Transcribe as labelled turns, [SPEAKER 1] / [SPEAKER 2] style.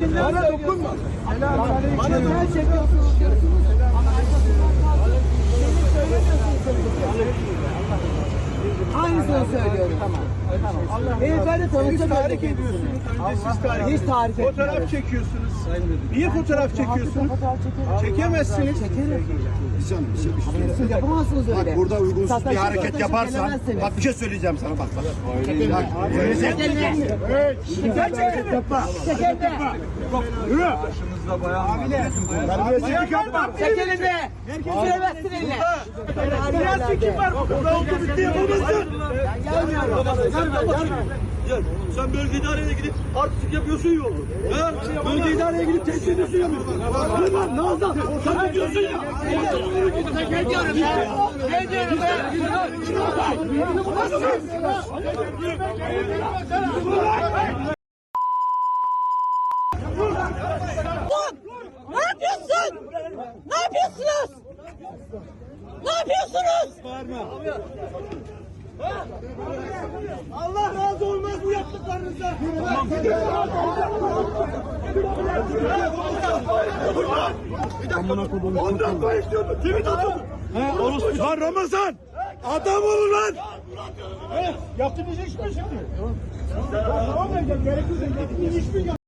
[SPEAKER 1] Bana dokunma.
[SPEAKER 2] Bana ne çekiyorsunuz? Aynısını söylüyorum. Tamam. Beyefendi tanıtım
[SPEAKER 1] Tahrik ediyorsunuz. Önce siz tahrik
[SPEAKER 2] Hiç tahrik etmiyorum.
[SPEAKER 1] Fotoğraf çekiyorsunuz. Niye fotoğraf çekiyorsunuz? Çekemezsiniz.
[SPEAKER 2] Siz yapamazsınız öyle.
[SPEAKER 3] Bak burada uygunsuz bir
[SPEAKER 2] Sataşın,
[SPEAKER 3] hareket
[SPEAKER 2] sataşın
[SPEAKER 3] yaparsan,
[SPEAKER 2] gelemezsiniz.
[SPEAKER 3] bak bir şey söyleyeceğim sana bak.
[SPEAKER 1] Yürü.
[SPEAKER 3] Terbiyesizlik yapma.
[SPEAKER 2] Çekelim de. Süremezsin eline.
[SPEAKER 1] Biraz çekim var. Burada oldu bitti yapamazsın.
[SPEAKER 4] Gel. Sen bölge idareye gidip artistik yapıyorsun ya oğlum. Bölge idareye gidip tehdit ediyorsun ya. Lan Nazan sen ne diyorsun ya?
[SPEAKER 2] Ne diyorum ya? Ne diyorum ya?
[SPEAKER 5] Ne yapıyorsun? Ne yapıyorsunuz? Ne yapıyorsunuz?
[SPEAKER 1] Allah razı olmaz bu yaptıklarınızdan. Ondan da istiyordun. Kimi tutuyordun? Lan Ramazan! Adam olun lan! Yaptığınız iş mi şimdi? Tamam, gerekirse yaptığınız iş mi?